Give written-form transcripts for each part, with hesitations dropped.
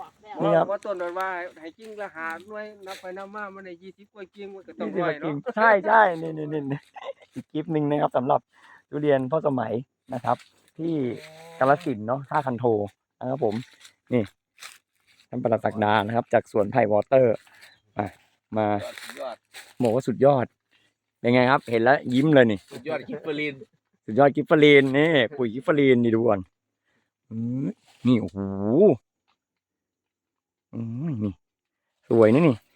นี่ครับว่าต้นว่าให้กิ้งละหาด้วยนับไปนับมามันได้20กว่ากิ้งมันก็ต้อง 20 ร้อยกิ่เนาะงใช่นี่อีกคลิปหนึ่งนะครับสำหรับทุเรียนพ่อสมัยนะครับ ที่กาฬสินธุ์เนาะท่าคันโทนะครับผมนี่ท่านปลัดศักดานะครับ จากสวนไผ่วอเตอร์มาสุดยอดบอกว่าสุดยอดเป็นไงครับ เห็นแล้วยิ้มเลยนี่สุดยอดคิปเปอร์ลินสุดยอดกิฟเฟอรีนนี่ปุ๋ยกิฟเฟอรีนนี่ดูก่อนนี่โอ้โหนี่สวยนะนี่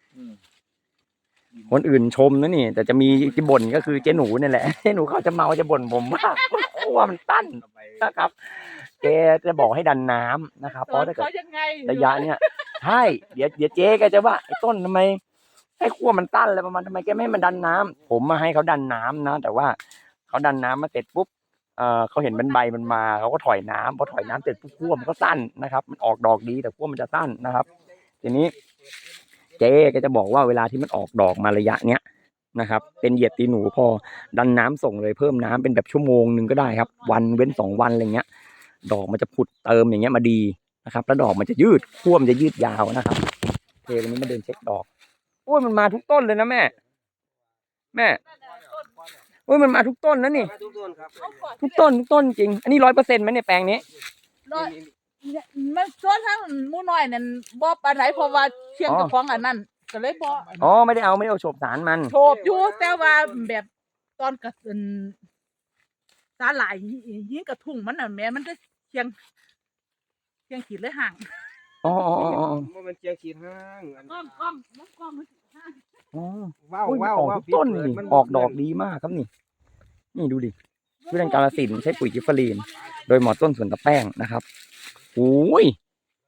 คนอื่นชมนะนี่แต่จะมีที่บ่นก็คือเจ๊หนูนี่แหละเจ๊หนูเขาจะเมาจะบ่นผมว่าขั้วมันตั้นนะครับแกจะบอกให้ดันน้ำนะครับเพราะถ้าเกิดระยะเนี้ยใช่เดี๋ยวเจ๊แกจะว่าไอ้ต้นทำไมให้ขั้วมันตั้นอะไรประมาณทำไมแกไม่ให้มันดันน้ำผมมาให้เขาดันน้ำนะแต่ว่าเขาดันน้ำมาเสร็จปุ๊บเขาเห็นเป็นใบมันมาเขาก็ถอยน้ำพอถอยน้ำเสร็จปุ๊บขั้วมันก็สั้นนะครับมันออกดอกดีแต่ขั้วมันจะสั้นนะครับทีนี้เจ๊ก็จะบอกว่าเวลาที่มันออกดอกมาระยะเนี้ยนะครับเป็นเหยียดตีหนูพอดันน้ำส่งเลยเพิ่มน้ำเป็นแบบชั่วโมงนึงก็ได้ครับวันเว้น2 วันอะไรเงี้ยดอกมันจะผุดเติมอย่างเงี้ยมาดีนะครับแล้วดอกมันจะยืดขั้วมันจะยืดยาวนะครับเทวันนี้มาเดินเช็คดอกโอ้ยมันมาทุกต้นเลยนะแม่โอ้ยมันมาทุกต้นนะนี่ทุกต้นครับทุกต้นจริงอันนี้100%ไหมเนี่ยแปลงนี้มันส่วนทั้งหมู่น้อยนั่นบ่ปานไหนเพราะว่าเชียงกับของอันนั้นก็เลยบ่อ๋อไม่ได้เอาโฉบสารมันโฉบอยู่แต่ว่าแบบตอนกระสุนสาหร่ายยิงกระทุ่งมันน่ะแม่มันจะเชียงขีดเลยห่างอ๋อมันเจียงขีดห้างก้อมมันห่างอ๋อว้าวอุ้ยมันว้าวออกว้าวทุกต้นนี่ออกดอกดีมากครับนี่ดูดิทุเรียนกาฬสินธุ์ใช้ปุ๋ยกิฟเฟอรีนโดยหมอต้นสวนตะแป้งนะครับโอ้ย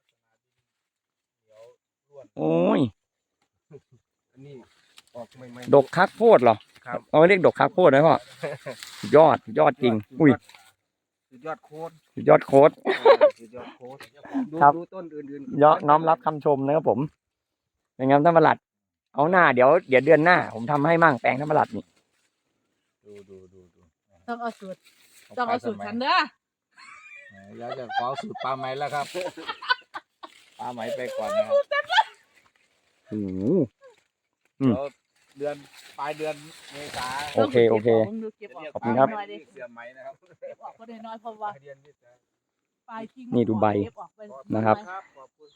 ดกคักโพดเหรอเอาเรียกดกคักโพดไหมพ่อสุดยอดจริงอุ้ยสุดยอดโค้ดสุดยอดโค้ดสุดยอดโค้ดครับดูต้นอื่นน้อมรับคำชมนะครับผมเป็นไงท่านประหลัดเอาหน้าเดี๋ยวเดือนหน้าผมทำให้มั่งแปลงท่านประหลัดนี่ดูต้องเอาสูตรฉันเด้ออยากจะขอสูตรปลาไหมแล้วครับปลาไหมไปก่อนนะครับโอ้โหเดือนปลายเดือนเมษาโอเคเก็บออกขอบคุณครับเสียไหมนะครับเก็บออกก็ได้น้อยเพราะว่าปลายทิ้งนี่ดูใบเก็ออกไปนะครับๆครับขอบคุณ